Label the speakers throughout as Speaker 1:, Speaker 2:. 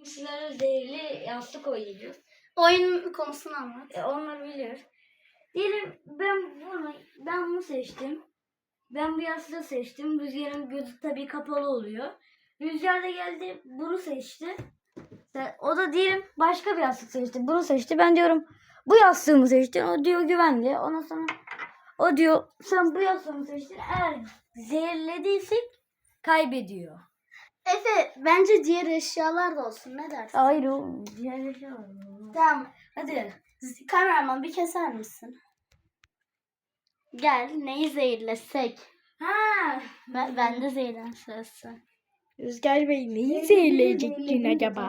Speaker 1: Sizlere zehirli yastık oynuyoruz.
Speaker 2: Oyun konusunu anlat.
Speaker 1: Onlar biliyor. Diyelim ben bunu seçtim. Ben bu yastığı seçtim. Rüzgarın gözü tabii kapalı oluyor. Rüzgar da geldi bunu seçti. O da diyelim başka bir yastık seçti. Bunu seçti. Ben diyorum bu yastığımı seçtin. O diyor güvenli. Ondan sonra o diyor sen bu yastığımı seçtin. Eğer zehirlediysek kaybediyor.
Speaker 2: Efe bence diğer eşyalar da olsun. Ne dersin?
Speaker 1: Hayır o diğer şey var.
Speaker 2: Tamam.
Speaker 1: Hadi.
Speaker 2: Kameraman bir keser misin? Gel neyi zehirlesek?
Speaker 1: Ha.
Speaker 2: Ben de zehirlensin.
Speaker 3: Rüzgar Bey neyi zehirleyecektin acaba?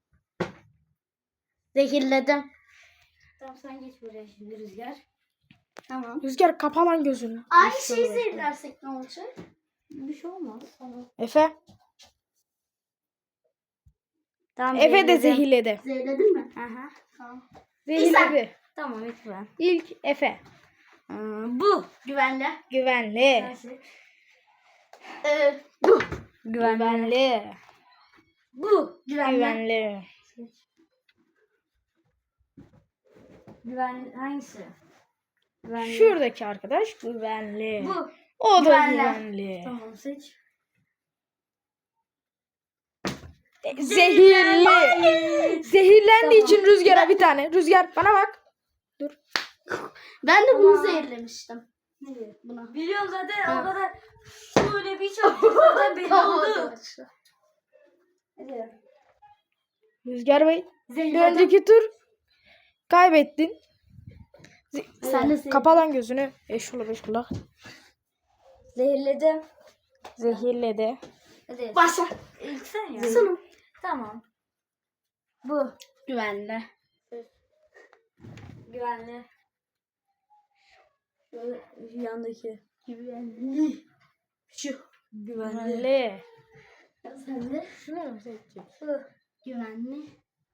Speaker 2: Zehirledim.
Speaker 1: Tamam sen geç buraya şimdi Rüzgar.
Speaker 2: Tamam.
Speaker 3: Rüzgar kapa lan gözünü.
Speaker 2: Aynı şeyi zehirlersek ne olacak?
Speaker 1: Bir şey olmaz.
Speaker 3: Efe.
Speaker 1: Tamam,
Speaker 3: Efe de
Speaker 1: zehirledim.
Speaker 3: zehirledi.
Speaker 2: Zehirledin mi?
Speaker 1: Aha.
Speaker 2: Tamam.
Speaker 3: Zehirledi.
Speaker 1: Tamam ilk ben.
Speaker 3: İlk Efe.
Speaker 1: Bu.
Speaker 2: Güvenli.
Speaker 3: Güvenli.
Speaker 1: Nasıl?
Speaker 2: Bu.
Speaker 3: Güvenli.
Speaker 1: Bu.
Speaker 3: Güvenli.
Speaker 1: Güvenli. Hangisi? Güvenli.
Speaker 3: Şuradaki arkadaş güvenli.
Speaker 1: Bu.
Speaker 3: O da
Speaker 2: Güvenli.
Speaker 3: güvenli.
Speaker 1: Tamam seç.
Speaker 3: Zehirli. Zehirlendiği için Rüzgar'a bir tane. Rüzgar bana bak.
Speaker 2: Ben de bunu
Speaker 1: Tamam.
Speaker 2: zehirlemiştim. Buna.
Speaker 1: Biliyorum zaten o kadar şöyle bir çabuk zaten belli oldu. Hadi.
Speaker 3: Rüzgar Bey. Bir
Speaker 2: Zehirledim.
Speaker 3: önceki tur kaybettin.
Speaker 2: Sen de
Speaker 3: Kapa lan gözünü. Eşula beş kulak.
Speaker 1: Zehirledim.
Speaker 3: Zehirledi.
Speaker 1: Hadi.
Speaker 2: Başla.
Speaker 1: İlk sen ya.
Speaker 2: Sonu.
Speaker 1: Tamam. Bu.
Speaker 2: Güvenli.
Speaker 1: Güvenli. Şöyle yandaki. Güvenli.
Speaker 2: Şu.
Speaker 1: Güvenli.
Speaker 3: Güvenli.
Speaker 2: Sen de.
Speaker 3: Şunu mu seçeceksin?
Speaker 1: Bu.
Speaker 2: Güvenli.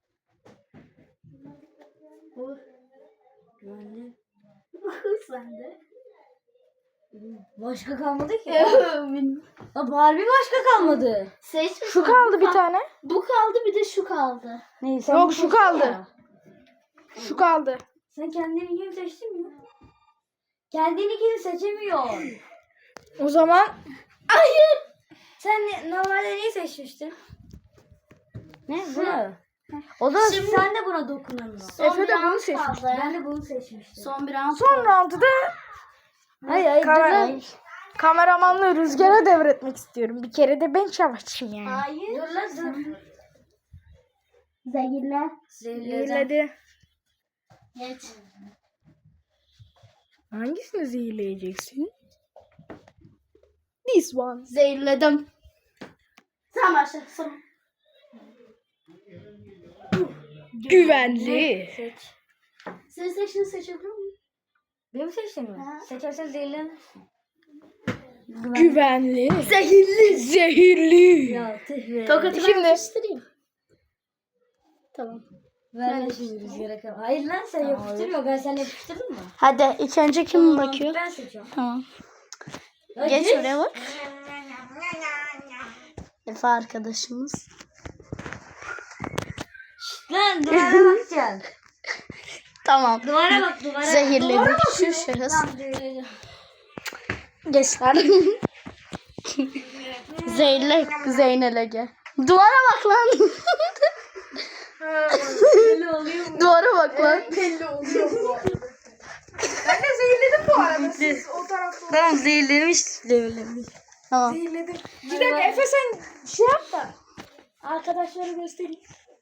Speaker 1: Bu. Güvenli.
Speaker 2: Sen de.
Speaker 1: Başka kalmadı ki. Ya Barbie başka kalmadı.
Speaker 2: Seçmiş.
Speaker 3: Şu kaldı bir tane.
Speaker 2: Bu kaldı bir de şu kaldı.
Speaker 1: Neyse.
Speaker 3: Yok, şu kaldı. Şu kaldı.
Speaker 1: Sen kendini seçtin mi? Kendini seçemiyorsun.
Speaker 3: O zaman
Speaker 1: Sen normalde neyi seçmiştin? Ne? Bunu. O zaman
Speaker 2: Şimdi-
Speaker 1: sen de buna dokunamıyorsun.
Speaker 2: Son
Speaker 3: Efe
Speaker 2: bir
Speaker 3: de bunu
Speaker 2: round
Speaker 3: seçmiş.
Speaker 2: kaldı.
Speaker 1: Ben de bunu seçmiştim.
Speaker 2: Son bir round
Speaker 3: son
Speaker 2: kaldı.
Speaker 3: roundu da
Speaker 1: Hayır
Speaker 3: kameramanlığı Rüzgar'a devretmek istiyorum. Bir kere de ben savaşayım yani.
Speaker 2: Hayır.
Speaker 1: Dur lan dur.
Speaker 2: Zehirle.
Speaker 3: Zehirledi.
Speaker 2: Geç.
Speaker 3: Hangisini zehirleyeceksin? This one.
Speaker 2: Zehirledim. Sen başla. Son.
Speaker 3: Güvenli.
Speaker 1: Seç.
Speaker 2: Senin seçtiğini seçebiliyor muyum?
Speaker 1: Benim seçtim mi?
Speaker 2: Ha.
Speaker 1: Seçersen zehirlen.
Speaker 3: Güvenli.
Speaker 2: Zehirli.
Speaker 3: Zehirli.
Speaker 1: Ya tüh be.
Speaker 2: Tokatı
Speaker 3: Şimdi-
Speaker 2: ben yapıştırayım. Tamam.
Speaker 1: Ben de şimdi rüzgara kal. Hayır lan sen yapıştırma. Ben sana yapıştırdım mı?
Speaker 2: Hadi ilk önce kim
Speaker 1: Tamam,
Speaker 2: bakıyor?
Speaker 1: Ben seçiyorum.
Speaker 2: Tamam.
Speaker 1: Ya
Speaker 2: Geç oraya bak. Efe arkadaşımız.
Speaker 1: Lan duvara bakacaksın.
Speaker 2: Tamam.
Speaker 1: Duvara bak duvara.
Speaker 2: Zehirledik şu şahıs.
Speaker 1: Tamam zehirledim.
Speaker 2: Geçler. Zeynep, Zeynel'e gel. Duvara bak lan.
Speaker 1: Böyle oluyor mu?
Speaker 2: Duvara bak lan.
Speaker 3: Belli oluyor bu arada. Ben de zehirledim bu arada. Siz o tarafta
Speaker 1: Tamam zehirlemiş.
Speaker 2: Tamam.
Speaker 3: zehirledim. Bir dakika Efe sen şey yap da. Arkadaşları göstereyim.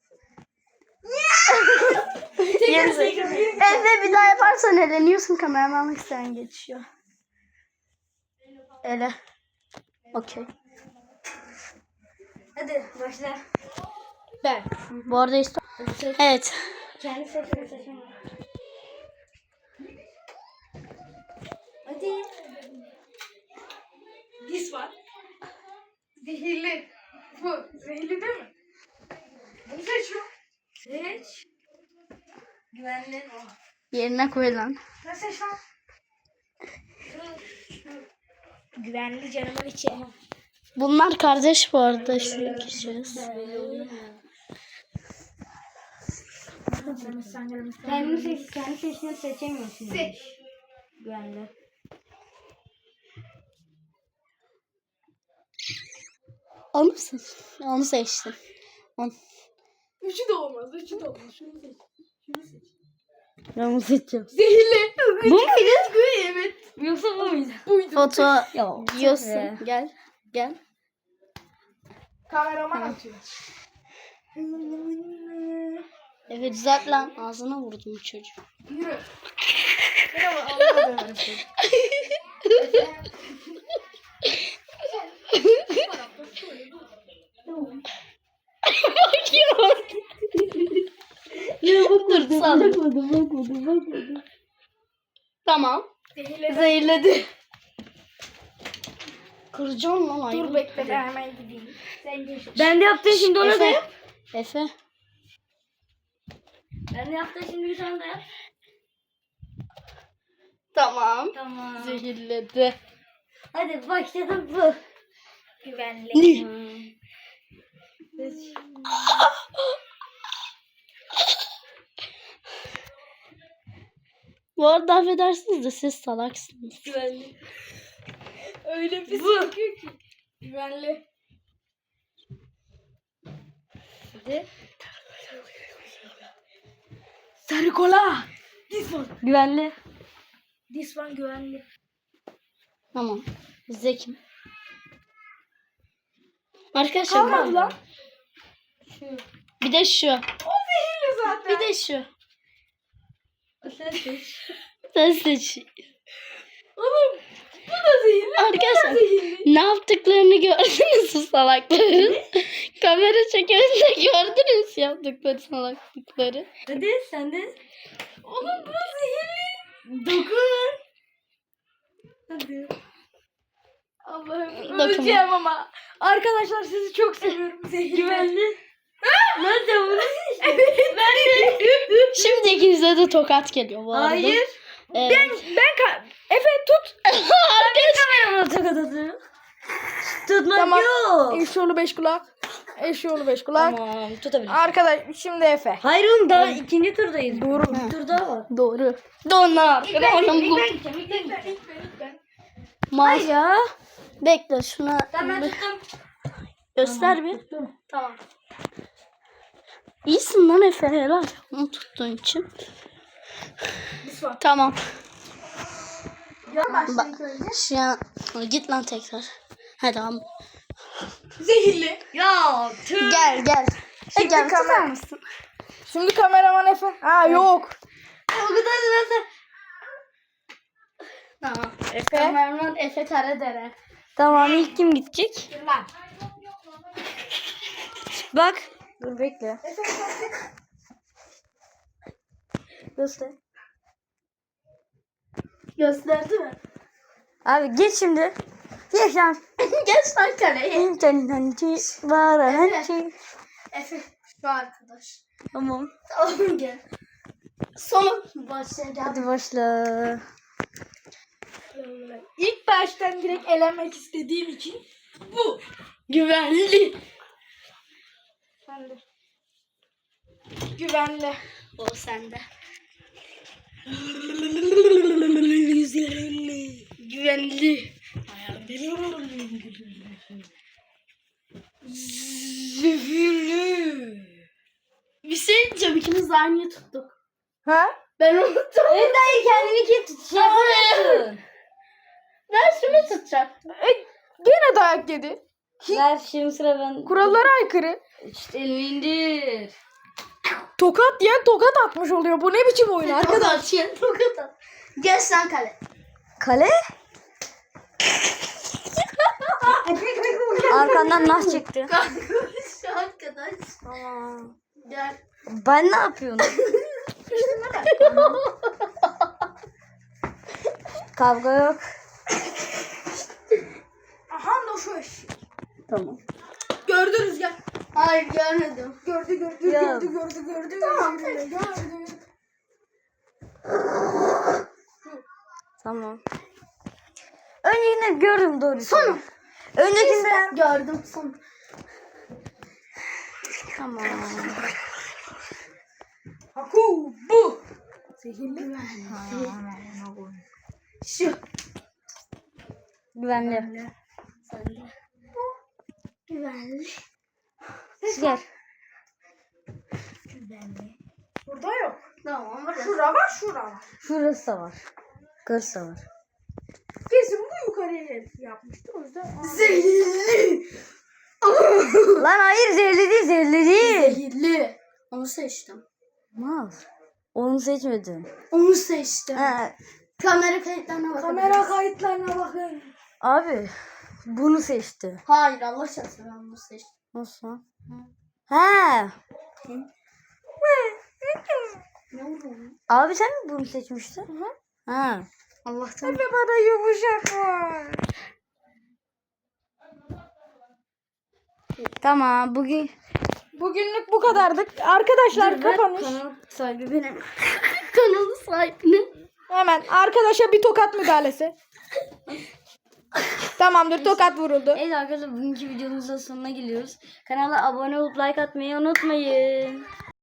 Speaker 2: Efe bir daha yaparsan eleniyorsun, kameramanlık sen geçiyor. Ele. Okey.
Speaker 1: Hadi başla.
Speaker 3: Ben.
Speaker 2: Bu arada evet.
Speaker 1: Kendi seçme. Hadi.
Speaker 3: This one. Zehirli. Bu. Zehirli değil mi? Bunu seçiyorum.
Speaker 1: Seç. Güvenli.
Speaker 2: Yerine koy lan.
Speaker 3: Ne seç lan? Güvenli canımın içi.
Speaker 2: Bunlar kardeş bu arada. Şu kişiyiz.
Speaker 1: Kendi seçtiğini seçemiyorsun. Yani. Güvenli.
Speaker 2: Onu seç. Onu seçtim.
Speaker 3: Üçü de olmaz. Şunu seç.
Speaker 1: Ben bunu seçeceğim.
Speaker 3: Zehirli.
Speaker 1: Bu muydu?
Speaker 3: Evet.
Speaker 1: Yoksa bu muydu?
Speaker 3: Buydu.
Speaker 2: Foto
Speaker 1: Ya,
Speaker 2: diyorsun.
Speaker 1: be.
Speaker 2: Gel. Gel.
Speaker 3: Kameraman atıyor.
Speaker 2: Evet düzelt lan. Ağzına vurdum bu çocuğu.
Speaker 3: Yürü. Merhaba Allah'a emanet.
Speaker 2: Dur sal.
Speaker 1: Bakmadım.
Speaker 2: Tamam. Zehirledi. Kıracağım lan ayı.
Speaker 3: Dur bekle ben hemen gideyim. Sen geç.
Speaker 1: Ben de yaptım şimdi ona da
Speaker 2: Efe.
Speaker 1: yap.
Speaker 2: Efe.
Speaker 1: Ben de yaptım şimdi bir tane de yap.
Speaker 2: Tamam.
Speaker 1: Tamam.
Speaker 2: Zehirledi.
Speaker 1: Hadi başladım bu.
Speaker 3: Güvenli.
Speaker 2: Bu arada affedersiniz de siz salaksınız.
Speaker 1: Güvenli.
Speaker 3: Öyle bir sıkıyor ki. Güvenli.
Speaker 1: Hadi.
Speaker 3: Sarı kola. This one.
Speaker 1: Güvenli.
Speaker 3: This one güvenli.
Speaker 2: Tamam. Zekim. Arkadaşlar
Speaker 3: Kalmadı lan.
Speaker 2: bir de şu.
Speaker 3: O zehirli zaten.
Speaker 2: Bir de şu.
Speaker 1: Sen seç.
Speaker 2: Sen seç.
Speaker 3: Oğlum bu da zehirli.
Speaker 2: Arkadaşlar
Speaker 3: Zehirli.
Speaker 2: ne yaptıklarını gördünüz mü salakların? Kamera çekerinde gördünüz yaptıkları salaklıkları.
Speaker 1: Hadi sen de.
Speaker 3: Oğlum bu zehirli.
Speaker 1: Dokun. Hadi.
Speaker 3: Allah'ım
Speaker 2: Dokunma.
Speaker 3: öleceğim ama. Arkadaşlar sizi çok seviyorum. Zehirli.
Speaker 1: Güvenli. Lan sen bunu seçtin.
Speaker 2: Şimdi ikinize de tokat geliyor bu arada.
Speaker 1: Hayır.
Speaker 2: Evet.
Speaker 3: Efe tut.
Speaker 1: Kameramla tokat atıyorum. Tutmak
Speaker 3: Tamam.
Speaker 1: yok.
Speaker 3: Eşoğlu 5 kulak. Eşoğlu 5 kulak.
Speaker 1: Tamam tutabilirim.
Speaker 3: Arkadaş şimdi Efe.
Speaker 1: Hayır oğlum daha ikinci turdayız.
Speaker 3: Doğru.
Speaker 1: Bir tur daha var.
Speaker 2: Doğru. Donar. Oğlum bu.
Speaker 1: gideceğim.
Speaker 2: Mas.
Speaker 1: ya.
Speaker 2: Bekle şuna
Speaker 1: Tamam ben
Speaker 2: bir
Speaker 1: tuttum.
Speaker 2: göster bir.
Speaker 1: Tamam.
Speaker 2: İyisin lan Efe helal. Onu tuttuğun için. Tamam. Şu an git lan tekrar. Hadi tamam.
Speaker 3: Zehirli.
Speaker 1: Ya tüh.
Speaker 2: Gel gel. Gel tutar
Speaker 3: kamera-
Speaker 2: mısın?
Speaker 3: Şimdi kameraman Efe. Ha yok.
Speaker 1: O kadar nasıl?
Speaker 2: Tamam.
Speaker 3: Efe.
Speaker 2: Kameraman Efe Karadere.
Speaker 1: Tamam ilk kim gidecek?
Speaker 3: Lan.
Speaker 1: Bak. Dur bekle. Göster.
Speaker 2: Gösterdi mi?
Speaker 1: Abi geç şimdi. Geç lan.
Speaker 2: Geç lan kaleye.
Speaker 1: İnternet var hançi.
Speaker 2: Efe şu arkadaş.
Speaker 1: Tamam.
Speaker 2: Tamam gel. Sonu başlayacağım.
Speaker 1: Hadi başla.
Speaker 3: İlk baştan direkt elenmek istediğim için bu.
Speaker 2: Güvenli.
Speaker 3: Sende. Güvenli.
Speaker 2: O sende. Güvenli.
Speaker 3: Zehirli.
Speaker 2: Bir şey diyeceğim ikimiz de aynı tuttuk.
Speaker 3: Ha?
Speaker 2: Ben unuttum.
Speaker 1: Dayı kendini kim şey yapıyorsun?
Speaker 2: Ben şunu tutacaktım.
Speaker 3: Gene dayak yedi.
Speaker 1: Ver şimdi sıra ben.
Speaker 3: Kurallara aykırı.
Speaker 1: İşte elini indir.
Speaker 3: Tokat diyen tokat atmış oluyor. Bu ne biçim oyun arkadaş?
Speaker 2: Tokat at. Gel sen kale.
Speaker 1: Kale? Arkandan nas çıktı.
Speaker 2: Şu arkadaş.
Speaker 1: Tamam.
Speaker 2: Gel.
Speaker 1: Ben ne yapıyorum? Kavga yok.
Speaker 3: Aha da şu eş.
Speaker 1: Tamam.
Speaker 3: Gördü Rüzgar.
Speaker 2: Hayır görmedim.
Speaker 3: Gördü.
Speaker 1: Ya.
Speaker 3: Gördü. Gördü.
Speaker 1: Tamam. Öncekinde gördüm doğrusu. Sonu. Öncekinde.
Speaker 2: Gördüm son.
Speaker 1: Tamam.
Speaker 3: Haku. Zehirli.
Speaker 2: Şu.
Speaker 1: Güvenli.
Speaker 2: Güvenli.
Speaker 1: Rüzgar.
Speaker 3: Burada yok.
Speaker 2: Tamam burası.
Speaker 3: Şura var, şura var.
Speaker 1: Şurası da var. Kırsa var.
Speaker 3: Kesin bu yukarıya yapmıştır. O yüzden
Speaker 2: Zehirli.
Speaker 1: Lan hayır zehirli değil zehirli değil.
Speaker 2: Zehirli. Onu seçtim.
Speaker 1: Mal. Onu seçmedin.
Speaker 2: Onu seçtim.
Speaker 1: Ha,
Speaker 2: Kamera kayıtlarına bakın.
Speaker 3: kamera kayıtlarına bakın.
Speaker 1: abi bunu seçti.
Speaker 2: Hayır Allah şahsı ben bunu seçtim.
Speaker 1: Nasıl lan? Ha.
Speaker 2: Ne oldu?
Speaker 1: Abi sen mi bunu seçmiştin? Ha.
Speaker 2: Allah'tan.
Speaker 3: Ve bana yumuşak var.
Speaker 1: Tamam bugün
Speaker 3: Bugünlük bu kadardık. Arkadaşlar kapanış.
Speaker 1: kanal sahibi benim.
Speaker 2: Kanalı sahibinin.
Speaker 3: Hemen arkadaşa bir tokat müdahalesi. Tamamdır, tokat vuruldu.
Speaker 1: Evet arkadaşlar bugünkü videomuzun sonuna geliyoruz. Kanala abone olup like atmayı unutmayın.